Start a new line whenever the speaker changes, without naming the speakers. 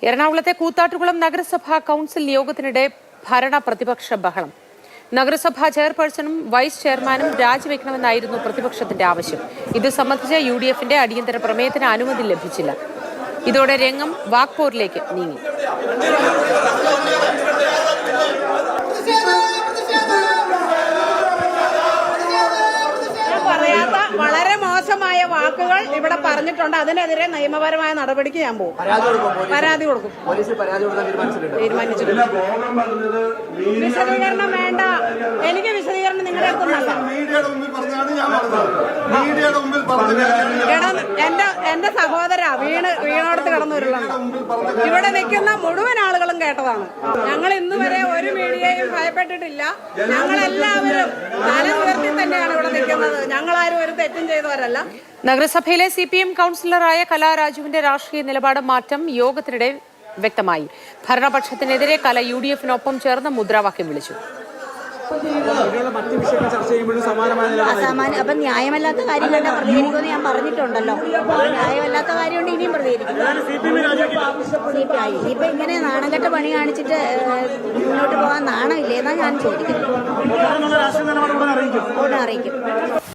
എറണാകുളത്തെ കൂത്താട്ടുകുളം നഗരസഭാ കൌൺസിൽ യോഗത്തിനിടെ ഭരണ പ്രതിപക്ഷ ബഹളം. നഗരസഭാ ചെയർപേഴ്സണും വൈസ് ചെയർമാനും രാജിവെക്കണമെന്നായിരുന്നു പ്രതിപക്ഷത്തിന്റെ ആവശ്യം. ഇത് സംബന്ധിച്ച് UDFന്റെ അടിയന്തര പ്രമേയത്തിന് അനുമതി ലഭിച്ചില്ല. ഇതോടെ രംഗം വാക്പോരിലേക്ക് നീങ്ങി.
വളരെ മോശമായ വാക്കുകൾ ഇവിടെ പറഞ്ഞിട്ടുണ്ട്. അതിനെതിരെ നിയമപരമായ നടപടിക്ക് ഞാൻ പോകും. പരാതി കൊടുക്കും. തീരുമാനിച്ചിട്ടുണ്ട്. വിശദീകരണം വേണ്ട. എനിക്ക് വിശദീകരണം നിങ്ങളുടെ അടുത്തുണ്ടല്ല. എന്റെ സഹോദര വീണോടത്ത് കടന്നുരുളുണ്ട്. ഇവിടെ നിൽക്കുന്ന മുഴുവൻ ആളുകളും കേട്ടതാണ്. ഞങ്ങൾ ഇന്ന് വരെ ഒരു മീഡിയയും ഭയപ്പെട്ടിട്ടില്ല. ഞങ്ങളെല്ലാവരും തല ഉയർത്തി തന്നെയാണ് ഇവിടെ നിൽക്കുന്നത്. ഞങ്ങളാരും ഒരു തെറ്റും ചെയ്തവരല്ല.
നഗരസഭയിലെ CPM കൌൺസിലറായ കലാരാജുവിന്റെ രാഷ്ട്രീയ നിലപാട് മാറ്റം യോഗത്തിനിടെ വ്യക്തമായി. ഭരണപക്ഷത്തിനെതിരെ കല UDFനൊപ്പം ചേർന്ന് മുദ്രാവാക്യം വിളിച്ചു.
അപ്പൊ ന്യായമല്ലാത്ത കാര്യം കണ്ടാൽ പ്രതികരിക്കുമെന്ന് ഞാൻ പറഞ്ഞിട്ടുണ്ടല്ലോ. ന്യായമല്ലാത്ത കാര്യമുണ്ട് ഇനിയും പ്രതികരിക്കും. ഇപ്പൊ ഇങ്ങനെ നാണംകെട്ട പണി കാണിച്ചിട്ട് മുന്നോട്ട് പോകാൻ നാണമില്ലേന്നാ ഞാൻ ചോദിക്കുന്നത്. ഉടനെ അറിയിക്കും.